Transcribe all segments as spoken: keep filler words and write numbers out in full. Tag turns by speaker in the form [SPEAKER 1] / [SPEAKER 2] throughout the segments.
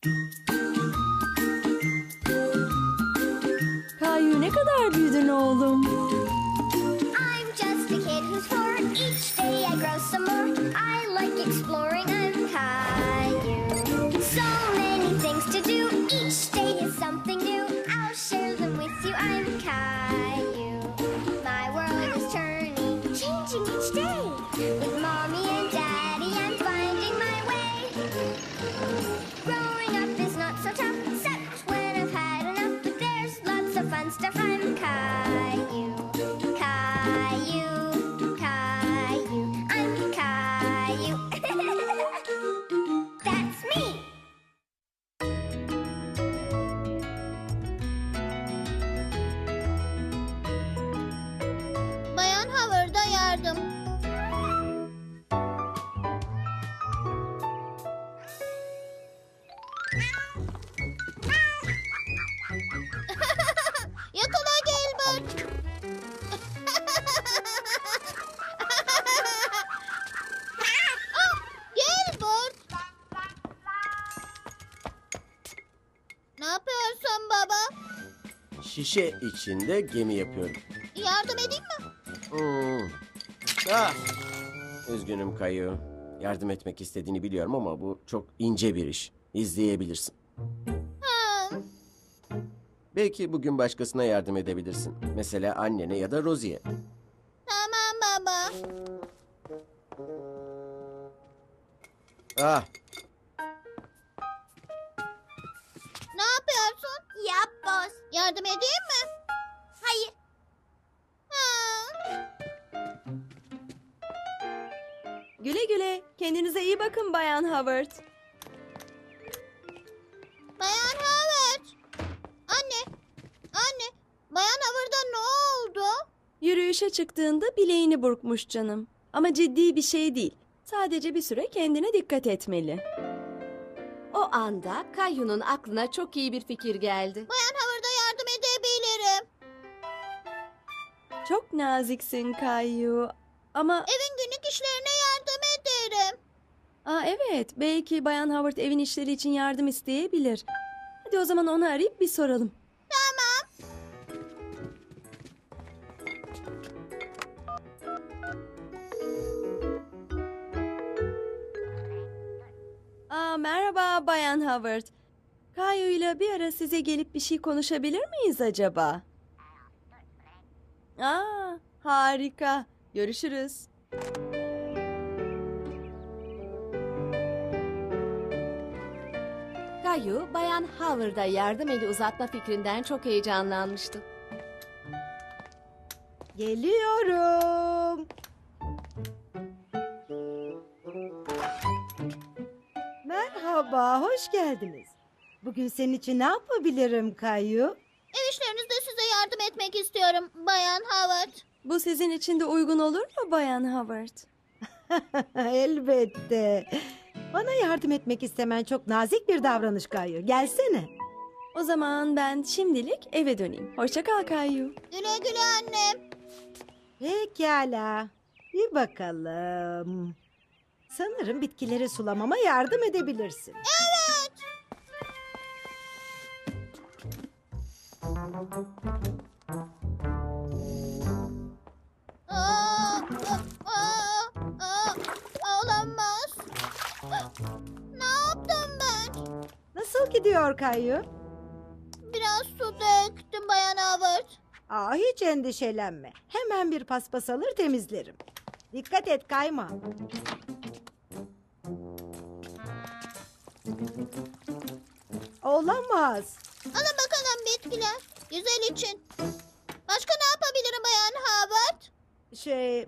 [SPEAKER 1] Kayu ne kadar büyüdün oğlum.
[SPEAKER 2] I'm just a kid who's four. Each day I grow some more. I like exploring. I'm Caillou. So many things to do. Each day is something new. I'll share them with you. I'm Caillou. My world is turning, changing each day. With mommy and daddy, I'm finding my way. Growing up is not so tough, except when I've had enough. But there's lots of fun stuff. I'm Caillou. Caillou, Caillou, I'm Caillou. That's me.
[SPEAKER 3] Bayan Howard'a yardım. Yakala Gilbert. Ah, Gilbert. Ne yapıyorsun baba?
[SPEAKER 4] Şişe içinde gemi yapıyorum.
[SPEAKER 3] Yardım edeyim mi?
[SPEAKER 4] Hmm. Ah! Üzgünüm Kayu. Yardım etmek istediğini biliyorum ama bu çok ince bir iş. İzleyebilirsin.
[SPEAKER 3] Hmm.
[SPEAKER 4] Belki bugün başkasına yardım edebilirsin. Mesela annene ya da Rosie'ye.
[SPEAKER 3] Tamam baba.
[SPEAKER 4] Ah!
[SPEAKER 3] Ne yapıyorsun?
[SPEAKER 2] Yap boss.
[SPEAKER 3] Yardım edeyim mi?
[SPEAKER 2] Hayır.
[SPEAKER 3] Hmm.
[SPEAKER 1] Güle güle. Kendinize iyi bakın Bayan Howard.
[SPEAKER 3] Bayan Howard. Anne. Anne. Bayan Howard'a ne oldu?
[SPEAKER 1] Yürüyüşe çıktığında bileğini burkmuş canım. Ama ciddi bir şey değil. Sadece bir süre kendine dikkat etmeli.
[SPEAKER 5] O anda Kayu'nun aklına çok iyi bir fikir geldi.
[SPEAKER 3] Bayan Howard'a yardım edebilirim.
[SPEAKER 1] Çok naziksin Kayu. Ama
[SPEAKER 3] Evin günlük işlerine yardım ederim.
[SPEAKER 1] aa, evet, belki Bayan Howard evin işleri için yardım isteyebilir. Hadi o zaman onu arayıp bir soralım.
[SPEAKER 3] Tamam.
[SPEAKER 1] Aa, merhaba Bayan Howard. Kayu ile bir ara size gelip bir şey konuşabilir miyiz acaba? Aa, harika. Görüşürüz.
[SPEAKER 5] Kayu, Bayan Howard'a yardım eli uzatma fikrinden çok heyecanlanmıştı.
[SPEAKER 6] Geliyorum. Merhaba, hoş geldiniz. Bugün senin için ne yapabilirim Kayu?
[SPEAKER 3] Ev işlerinizde size yardım etmek istiyorum Bayan Howard.
[SPEAKER 1] Bu sizin için de uygun olur mu Bayan Howard?
[SPEAKER 6] Elbette. Bana yardım etmek istemen çok nazik bir davranış Kayu. Gelsene.
[SPEAKER 1] O zaman ben şimdilik eve döneyim. Hoşça kal Kayu.
[SPEAKER 3] Güle güle annem.
[SPEAKER 6] Pekala. Bir bakalım. Sanırım bitkileri sulamama yardım edebilirsin.
[SPEAKER 3] Evet. Aa, aa, aa, olamaz. Ne yaptım ben?
[SPEAKER 6] Nasıl gidiyor Kayu?
[SPEAKER 3] Biraz su döktüm Bayan Howard.
[SPEAKER 6] Aa, hiç endişelenme. Hemen bir paspas alır temizlerim. Dikkat et kayma. Olamaz.
[SPEAKER 3] Alın bakalım bitkiler. Güzel için. Başka ne yapabilirim Bayan Howard?
[SPEAKER 6] Şey...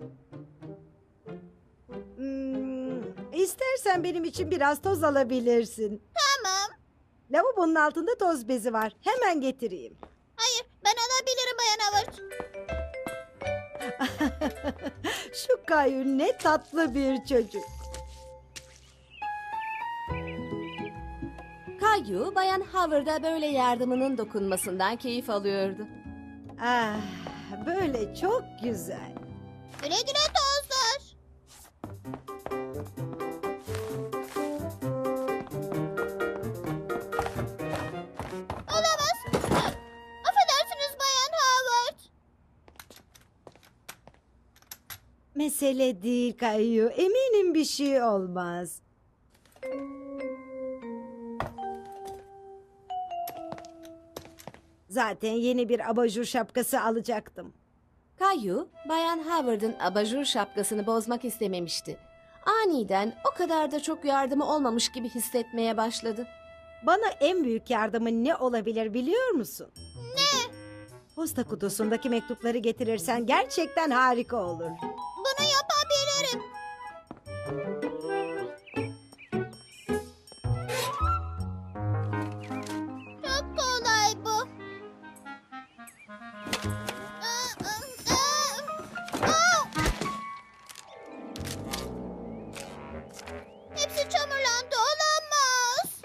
[SPEAKER 6] Hmm, istersen benim için biraz toz alabilirsin.
[SPEAKER 3] Tamam.
[SPEAKER 6] Lavabonun altında toz bezi var. Hemen getireyim.
[SPEAKER 3] Hayır, ben alabilirim Bayan Howard.
[SPEAKER 6] Şu Kayu ne tatlı bir çocuk.
[SPEAKER 5] Kayu, Bayan Howard'a böyle yardımının dokunmasından keyif alıyordu.
[SPEAKER 6] Ah, böyle çok güzel.
[SPEAKER 3] Güle güle tozlar.
[SPEAKER 6] mesele değil Kayu. Eminim bir şey olmaz. Zaten yeni bir abajur şapkası alacaktım.
[SPEAKER 5] Kayu, Bayan Howard'ın abajur şapkasını bozmak istememişti. Aniden o kadar da çok yardımı olmamış gibi hissetmeye başladı.
[SPEAKER 6] Bana en büyük yardımın ne olabilir biliyor musun? Ne? Posta kutusundaki mektupları getirirsen gerçekten harika olur.
[SPEAKER 3] Bunu yapabilirim. Çok kolay bu. Aa, aa, aa. Aa! Hepsi çamurlandı, olamaz.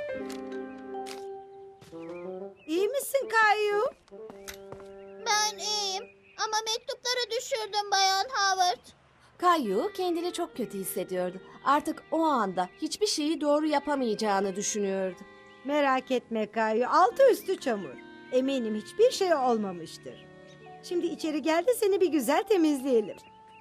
[SPEAKER 6] İyi misin Kayu?
[SPEAKER 3] Ben iyiyim ama mektupları düşürdüm Bayan Howard.
[SPEAKER 5] Kayu kendini çok kötü hissediyordu. Artık o anda hiçbir şeyi doğru yapamayacağını düşünüyordu.
[SPEAKER 6] Merak etme Kayu. Altı üstü çamur. Eminim hiçbir şey olmamıştır. Şimdi içeri gel de seni bir güzel temizleyelim.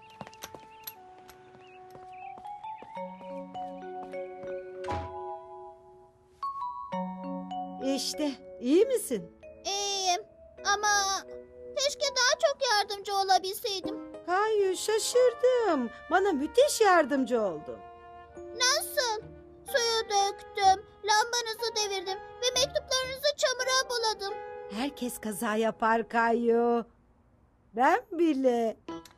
[SPEAKER 6] İşte iyi misin?
[SPEAKER 3] İyiyim ama keşke daha çok yardımcı olabilseydim.
[SPEAKER 6] Kayu şaşırdım. Bana müthiş yardımcı oldun.
[SPEAKER 3] Nasıl? Suyu döktüm, lambanızı devirdim ve mektuplarınızı çamura buladım.
[SPEAKER 6] Herkes kaza yapar Kayu. Ben bile.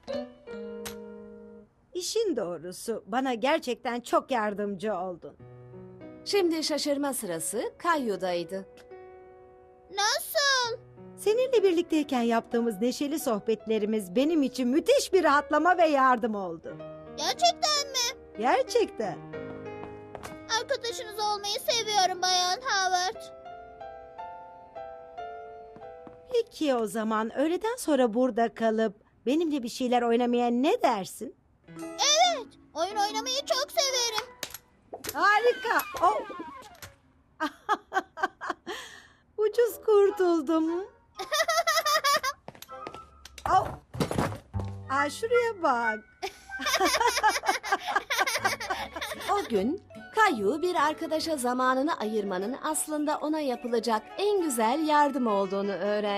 [SPEAKER 6] İşin doğrusu bana gerçekten çok yardımcı oldun.
[SPEAKER 5] Şimdi şaşırma sırası Kayu'daydı.
[SPEAKER 3] Nasıl?
[SPEAKER 6] Seninle birlikteyken yaptığımız neşeli sohbetlerimiz benim için müthiş bir rahatlama ve yardım oldu.
[SPEAKER 3] Gerçekten mi?
[SPEAKER 6] Gerçekten.
[SPEAKER 3] Arkadaşınız olmayı seviyorum Bayan Howard.
[SPEAKER 6] Peki o zaman öğleden sonra burada kalıp benimle bir şeyler oynamaya ne dersin?
[SPEAKER 3] Evet, oyun oynamayı çok severim.
[SPEAKER 6] Harika. Oh. Ucuz kurtuldum. Oh. Aa, şuraya bak.
[SPEAKER 5] O gün Kayu bir arkadaşa zamanını ayırmanın aslında ona yapılacak en güzel yardım olduğunu öğrendi.